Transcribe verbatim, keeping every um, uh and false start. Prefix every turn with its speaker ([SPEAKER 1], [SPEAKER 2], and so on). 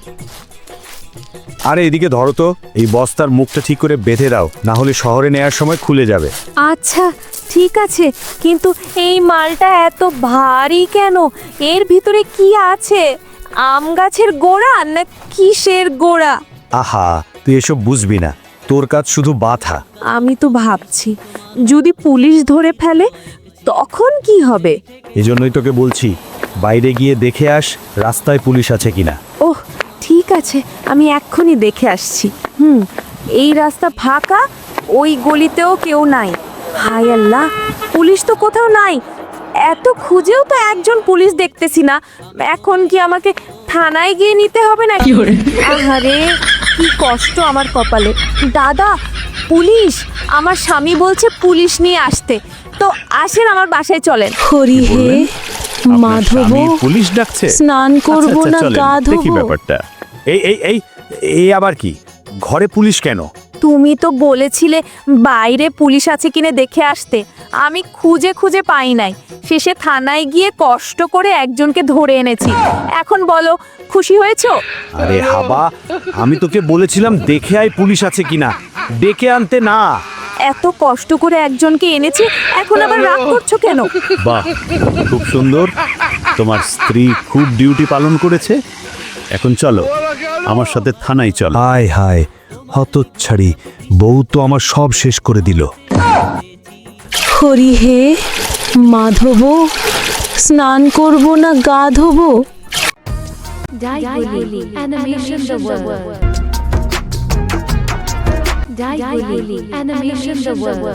[SPEAKER 1] আরে এদিকে ধরো তো, এই বস্তার মুখটা ঠিক করে বেঁধে দাও, না হলে শহরে নেয়ার সময় খুলে যাবে।
[SPEAKER 2] আচ্ছা ঠিক আছে, কিন্তু এই মালটা এত ভারী কেন? এর ভিতরে কি আছে? আম গাছের গোড়া না কিসের গোড়া?
[SPEAKER 1] আহা, তুই এসব বুঝবি না, তোর কাজ শুধু বাধা।
[SPEAKER 2] আমি তো ভাবছি যদি পুলিশ ধরে ফেলে তখন কি হবে।
[SPEAKER 1] এজন্যই তোকে বলছি, বাইরে গিয়ে দেখে আস রাস্তায় পুলিশ আছে কিনা।
[SPEAKER 2] ওহ ঠিক আছে, আমি এক্ষুনি দেখে আসছি। হুম, এই রাস্তা ফাঁকা, ওই গলিতেও কেউ নাই। হায় আল্লাহ, পুলিশ তো কোথাও নাই। এত খুঁজেও তো একজন পুলিশ দেখতেছি না। এখন কি আমাকে থানায় গিয়ে নিতে হবে না? আহারে কি কষ্ট আমার কপালে। দাদা, পুলিশ! আমার স্বামী বলছে পুলিশ নিয়ে আসতে। তো আসেন আমার বাসায় চলেন। হরি হে মাধব,
[SPEAKER 1] পুলিশ ডাকছে?
[SPEAKER 2] স্নান করব
[SPEAKER 1] আচ্ছা,
[SPEAKER 2] না
[SPEAKER 1] চলেন,
[SPEAKER 2] গা
[SPEAKER 1] দেখি
[SPEAKER 2] ধোবো?
[SPEAKER 1] ব্যাপারটা। এই এই এই এই আবার কি? ঘরে পুলিশ কেন?
[SPEAKER 2] তুমি তো বলেছিলে বাইরে পুলিশ আছে কিনে দেখে আসতে। আমি খুঁজে খুঁজে পাই নাই, শেষে থানায় গিয়ে কষ্ট করে একজনকে ধরে এনেছি। এখন বলো, খুশি হয়েছো?
[SPEAKER 1] আরে হাবা, আমি তোকে বলেছিলাম দেখে আয় পুলিশ আছে কিনা, ডেকে আনতে না।
[SPEAKER 2] এত কষ্ট করে একজনকে এনেছি, এখন আবার রাগ করছো কেন?
[SPEAKER 1] বাহ, খুব সুন্দর, তোমার স্ত্রী খুব ডিউটি পালন করেছে। এখন চলো আমার সাথে থানায় চলো। হায় হায়, হতচ্ছাড়ি বউ তো আমার সব শেষ করে দিল।
[SPEAKER 2] হরি হে মাধব, স্নান করব না গা ধোবো?
[SPEAKER 3] Daiguli Animation the World. Daiguli Animation the World.